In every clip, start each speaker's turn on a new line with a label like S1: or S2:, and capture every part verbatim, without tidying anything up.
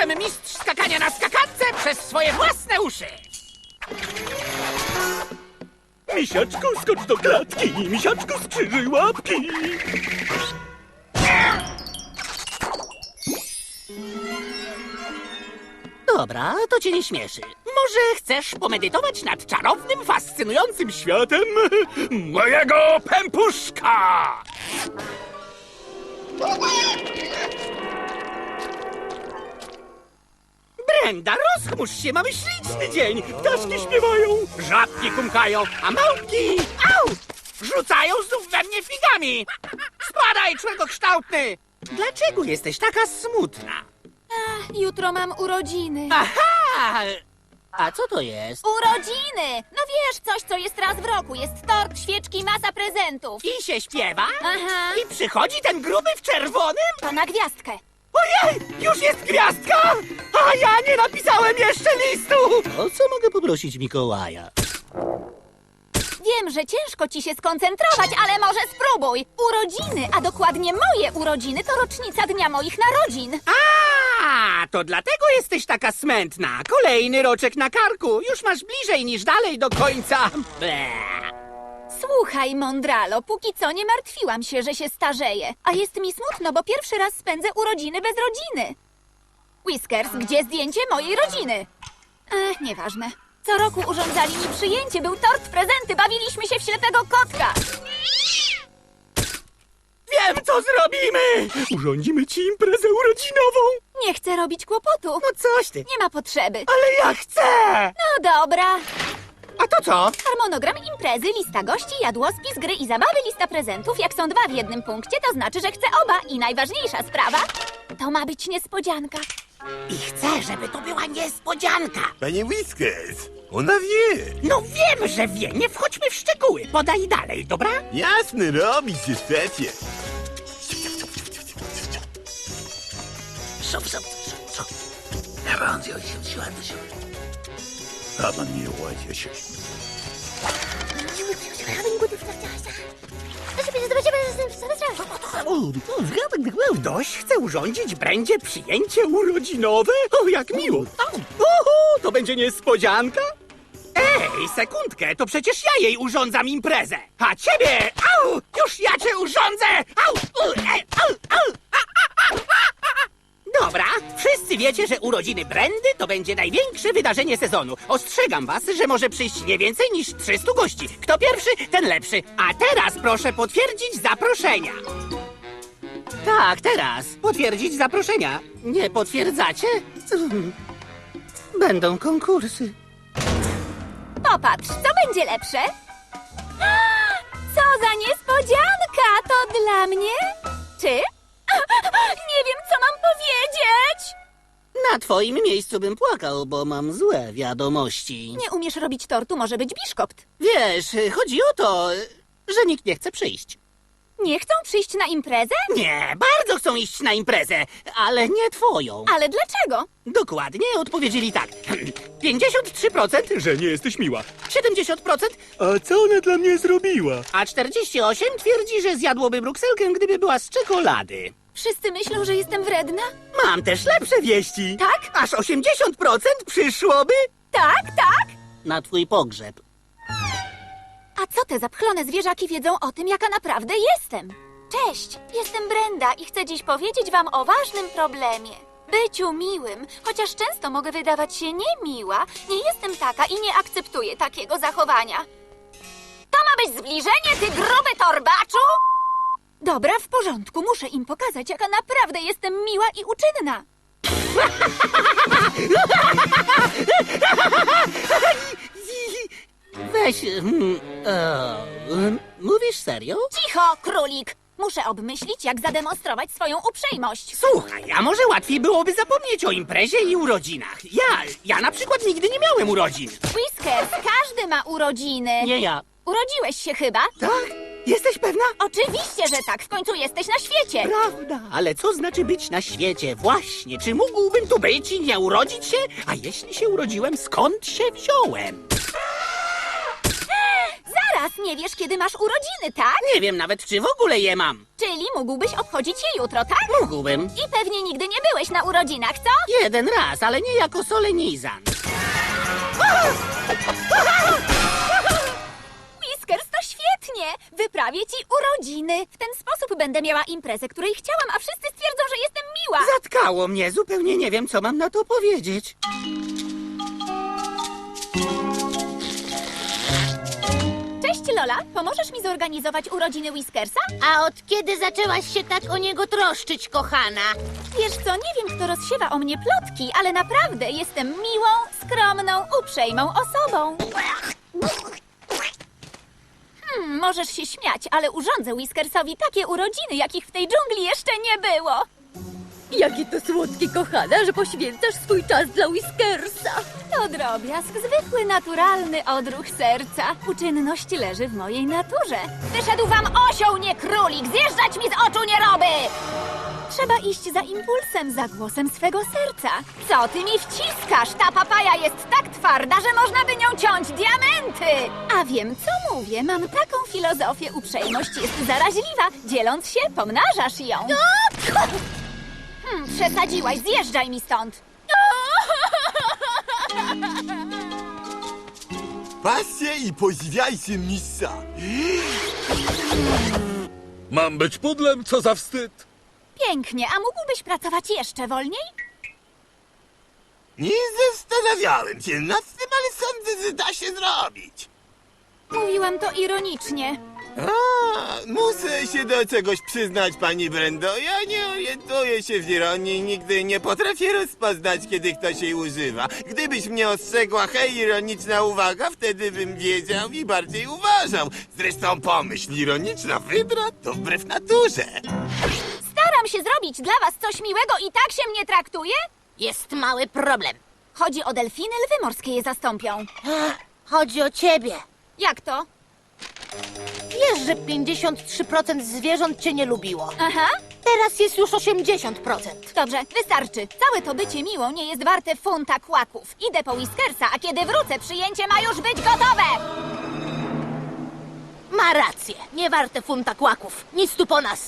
S1: Jestem mistrz skakania na skakance przez swoje własne uszy!
S2: Misiaczku, skocz do klatki! Misiaczku, skrzyżuj łapki!
S1: Dobra, to cię nie śmieszy. Może chcesz pomedytować nad czarownym, fascynującym światem mojego pępuszka? Brenda, rozchmurz się, mamy śliczny dzień. Ptaszki śpiewają, żabki kumkają, a małpki, au, rzucają znów we mnie figami. Spadaj, człowiekokształtny! Dlaczego jesteś taka smutna?
S3: Ach, jutro mam urodziny.
S1: Aha! A co to jest?
S3: Urodziny! No wiesz, coś, co jest raz w roku. Jest tort, świeczki, masa prezentów.
S1: I się śpiewa?
S3: Aha.
S1: I przychodzi ten gruby w czerwonym?
S3: To na gwiazdkę.
S1: Ojej! Już jest gwiazdka! A ja nie napisałem jeszcze listu! O co mogę poprosić Mikołaja?
S3: Wiem, że ciężko ci się skoncentrować, ale może spróbuj. Urodziny, a dokładnie moje urodziny, to rocznica dnia moich narodzin.
S1: A, to dlatego jesteś taka smętna. Kolejny roczek na karku. Już masz bliżej niż dalej do końca. Ble.
S3: Słuchaj, Mondralo, póki co nie martwiłam się, że się starzeję. A jest mi smutno, bo pierwszy raz spędzę urodziny bez rodziny. Whiskers, gdzie zdjęcie mojej rodziny? Ech, nieważne. Co roku urządzali mi przyjęcie, był tort, prezenty, bawiliśmy się w ślepego kotka.
S1: Wiem, co zrobimy!
S2: Urządzimy ci imprezę urodzinową!
S3: Nie chcę robić kłopotu.
S1: No coś ty.
S3: Nie ma potrzeby.
S1: Ale ja chcę!
S3: No dobra.
S1: A to co?
S3: Harmonogram imprezy, lista gości, jadłospis, gry i zabawy, lista prezentów. Jak są dwa w jednym punkcie, to znaczy, że chcę oba. I najważniejsza sprawa, to ma być niespodzianka.
S1: I chcę, żeby to była niespodzianka.
S4: Panie Whiskers, ona wie.
S1: No wiem, że wie. Nie wchodźmy w szczegóły. Podaj dalej, dobra?
S4: Jasne, robić się szefie.
S1: Szop, szop, szop, szop. Nawiązuj się, siła do siły.
S4: A man nie ładzie się.
S1: Ktoś chce urządzić Brędzie przyjęcie urodzinowe? O, jak miło! Oho, to będzie niespodzianka? Ej, sekundkę, to przecież ja jej urządzam imprezę! A ciebie, au, już ja cię urządzę! Au, u, e, au, au, a, a, a, a, a. Dobra, wszyscy wiecie, że urodziny Brendy to będzie największe wydarzenie sezonu. Ostrzegam was, że może przyjść nie więcej niż trzystu gości. Kto pierwszy, ten lepszy. A teraz proszę potwierdzić zaproszenia. Tak, teraz. Potwierdzić zaproszenia. Nie potwierdzacie? Będą konkursy.
S3: Popatrz, co będzie lepsze? Co za niespodzianka! To dla mnie? Czy? Nie wiem, co mam powiedzieć!
S1: Na twoim miejscu bym płakał, bo mam złe wiadomości.
S3: Nie umiesz robić tortu, może być biszkopt.
S1: Wiesz, chodzi o to, że nikt nie chce przyjść.
S3: Nie chcą przyjść na imprezę?
S1: Nie, bardzo chcą iść na imprezę, ale nie twoją.
S3: Ale dlaczego?
S1: Dokładnie odpowiedzieli tak. pięćdziesiąt trzy procent,
S2: Że nie jesteś miła.
S1: siedemdziesiąt procent,
S2: A co ona dla mnie zrobiła?
S1: a czterdzieści osiem procent twierdzi, że zjadłoby brukselkę, gdyby była z czekolady.
S3: Wszyscy myślą, że jestem wredna?
S1: Mam też lepsze wieści.
S3: Tak?
S1: Aż osiemdziesiąt procent przyszłoby
S3: Tak, tak!
S1: na twój pogrzeb.
S3: A co te zapchlone zwierzaki wiedzą o tym, jaka naprawdę jestem? Cześć, jestem Brenda i chcę dziś powiedzieć wam o ważnym problemie. Byciu miłym, chociaż często mogę wydawać się niemiła, nie jestem taka i nie akceptuję takiego zachowania. To ma być zbliżenie, ty gruby torbaczu? Dobra, w porządku, muszę im pokazać, jaka naprawdę jestem miła i uczynna.
S1: Weź... mm, o, mm, mówisz serio?
S3: Cicho, królik! Muszę obmyślić, jak zademonstrować swoją uprzejmość.
S1: Słuchaj, a może łatwiej byłoby zapomnieć o imprezie i urodzinach? Ja, ja na przykład nigdy nie miałem urodzin.
S3: Whiskers, każdy ma urodziny.
S1: Nie ja.
S3: Urodziłeś się chyba?
S1: Tak? Jesteś pewna?
S3: Oczywiście, że tak. W końcu jesteś na świecie.
S1: Prawda, ale co znaczy być na świecie? Właśnie, czy mógłbym tu być i nie urodzić się? A jeśli się urodziłem, skąd się wziąłem?
S3: Zaraz! teraz nie wiesz, kiedy masz urodziny, tak?
S1: Nie wiem nawet, czy w ogóle je mam.
S3: Czyli mógłbyś obchodzić je jutro, tak?
S1: Mógłbym.
S3: I pewnie nigdy nie byłeś na urodzinach, co?
S1: Jeden raz, ale nie jako solenizant.
S3: Whiskers, to świetnie! Wyprawię ci urodziny. W ten sposób będę miała imprezę, której chciałam, a wszyscy stwierdzą, że jestem miła.
S1: Zatkało mnie, zupełnie nie wiem, co mam na to powiedzieć.
S3: Cześć, Lola. Pomożesz mi zorganizować urodziny Whiskersa?
S5: A od kiedy zaczęłaś się tak o niego troszczyć, kochana?
S3: Wiesz co, nie wiem, kto rozsiewa o mnie plotki, ale naprawdę jestem miłą, skromną, uprzejmą osobą. Hmm, możesz się śmiać, ale urządzę Whiskersowi takie urodziny, jakich w tej dżungli jeszcze nie było.
S5: Jakie to słodkie, kochana, że poświęcasz swój czas dla Whiskersa.
S3: To drobiazg, zwykły, naturalny odruch serca. Uczynność leży w mojej naturze. Wyszedł wam osioł, nie królik! Zjeżdżać mi z oczu nieroby! Trzeba iść za impulsem, za głosem swego serca. Co ty mi wciskasz? Ta papaja jest tak twarda, że można by nią ciąć diamenty! A wiem, co mówię. Mam taką filozofię. Uprzejmość jest zaraźliwa. Dzieląc się, pomnażasz ją. Hmm, przesadziłaś. Zjeżdżaj mi stąd.
S4: Patrzcie i podziwiajcie mistrza.
S2: Mam być pudlem, co za wstyd.
S3: Pięknie, a mógłbyś pracować jeszcze wolniej?
S4: Nie zastanawiałem się nad tym, ale sądzę, że da się zrobić.
S3: Mówiłam to ironicznie.
S4: A, muszę się do czegoś przyznać, pani Brendo. Ja nie orientuję się w ironii i nigdy nie potrafię rozpoznać, kiedy ktoś jej używa. Gdybyś mnie ostrzegła, hej, ironiczna uwaga, wtedy bym wiedział i bardziej uważał. Zresztą pomyśl, ironiczna wydra to wbrew naturze.
S3: Staram się zrobić dla was coś miłego i tak się mnie traktuje?
S5: Jest mały problem.
S3: Chodzi o delfiny, lwy morskie je zastąpią.
S5: Chodzi o ciebie.
S3: Jak to?
S5: Wiesz, że pięćdziesiąt trzy procent zwierząt cię nie lubiło.
S3: Aha,
S5: Teraz jest już osiemdziesiąt procent.
S3: dobrze, wystarczy. Całe to bycie miłą nie jest warte funta kłaków. Idę po Whiskersa, a kiedy wrócę, przyjęcie ma już być gotowe!
S5: Ma rację. Nie warte funta kłaków. Nic tu po nas.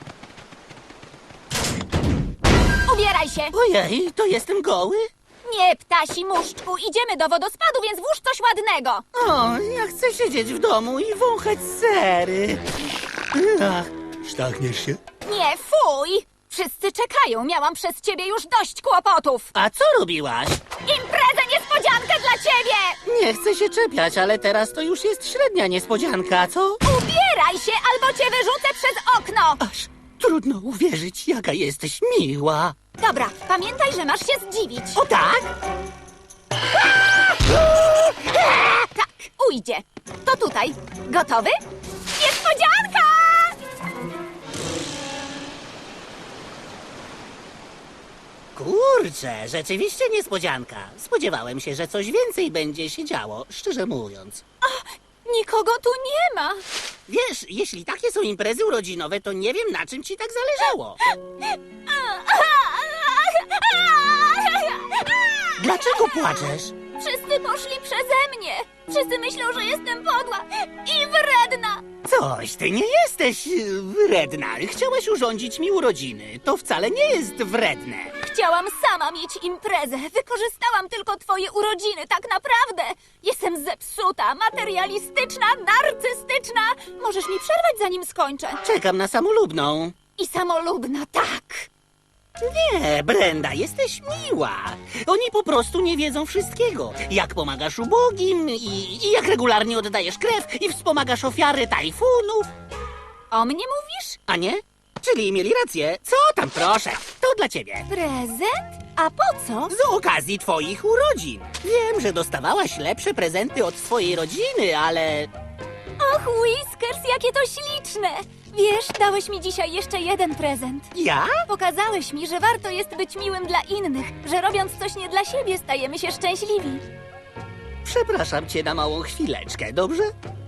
S3: Ubieraj się!
S1: Ojej, to jestem goły?
S3: Nie, ptasi muszczku, idziemy do wodospadu, więc włóż coś ładnego.
S1: O, ja chcę siedzieć w domu i wąchać sery. Ach, sztachniesz się?
S3: Nie, fuj! Wszyscy czekają, miałam przez ciebie już dość kłopotów.
S1: A co robiłaś?
S3: Imprezę niespodziankę dla ciebie!
S1: Nie chcę się czepiać, ale teraz to już jest średnia niespodzianka, co?
S3: Ubieraj się, albo cię wyrzucę przez okno!
S1: Aż trudno uwierzyć, jaka jesteś miła.
S3: Dobra, pamiętaj, że masz się zdziwić.
S1: O tak?
S3: Tak, ujdzie. To tutaj. Gotowy? Niespodzianka!
S1: Kurczę, rzeczywiście niespodzianka. Spodziewałem się, że coś więcej będzie się działo, szczerze mówiąc.
S3: Nikogo tu nie ma.
S1: Wiesz, jeśli takie są imprezy urodzinowe, to nie wiem, na czym ci tak zależało. Dlaczego płaczesz?
S3: Wszyscy poszli przeze mnie. Wszyscy myślą, że jestem podła i wredna.
S1: Coś, ty nie jesteś y, wredna. Chciałaś urządzić mi urodziny. To wcale nie jest wredne.
S3: Chciałam sama mieć imprezę. Wykorzystałam tylko twoje urodziny, tak naprawdę. Jestem zepsuta, materialistyczna, narcystyczna. Możesz mi przerwać, zanim skończę.
S1: Czekam na samolubną.
S3: I samolubna, tak.
S1: Nie, Brenda, jesteś miła. Oni po prostu nie wiedzą wszystkiego. Jak pomagasz ubogim i, i jak regularnie oddajesz krew i wspomagasz ofiary tajfunów.
S3: O mnie mówisz?
S1: A nie? Czyli mieli rację. Co tam, proszę? To dla ciebie.
S3: Prezent? A po co?
S1: Z okazji twoich urodzin. Wiem, że dostawałaś lepsze prezenty od swojej rodziny, ale...
S3: Och, Whiskers, jakie to śliczne! Wiesz, dałeś mi dzisiaj jeszcze jeden prezent.
S1: Ja?
S3: Pokazałeś mi, że warto jest być miłym dla innych, że robiąc coś nie dla siebie, stajemy się szczęśliwi.
S1: Przepraszam cię na małą chwileczkę, dobrze?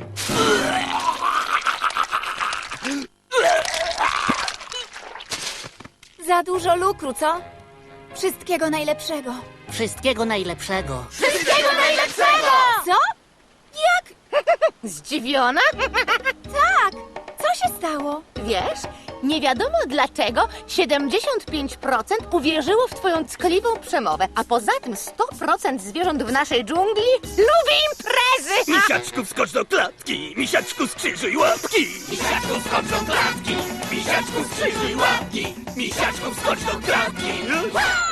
S3: Za dużo lukru, co? Wszystkiego najlepszego.
S1: Wszystkiego najlepszego.
S3: Wszystkiego najlepszego! Co? Jak?
S5: Zdziwiona?
S3: Tak, co się stało?
S5: Wiesz, nie wiadomo dlaczego siedemdziesiąt pięć procent uwierzyło w twoją ckliwą przemowę, a poza tym sto procent zwierząt w naszej dżungli lubi imprezy!
S2: Misiaczku, wskocz do klatki! Misiaczku, skrzyżuj łapki!
S1: Misiaczku, skocz do klatki! Misiaczku, skrzyżuj łapki! Misiaczku, skocz do klatki!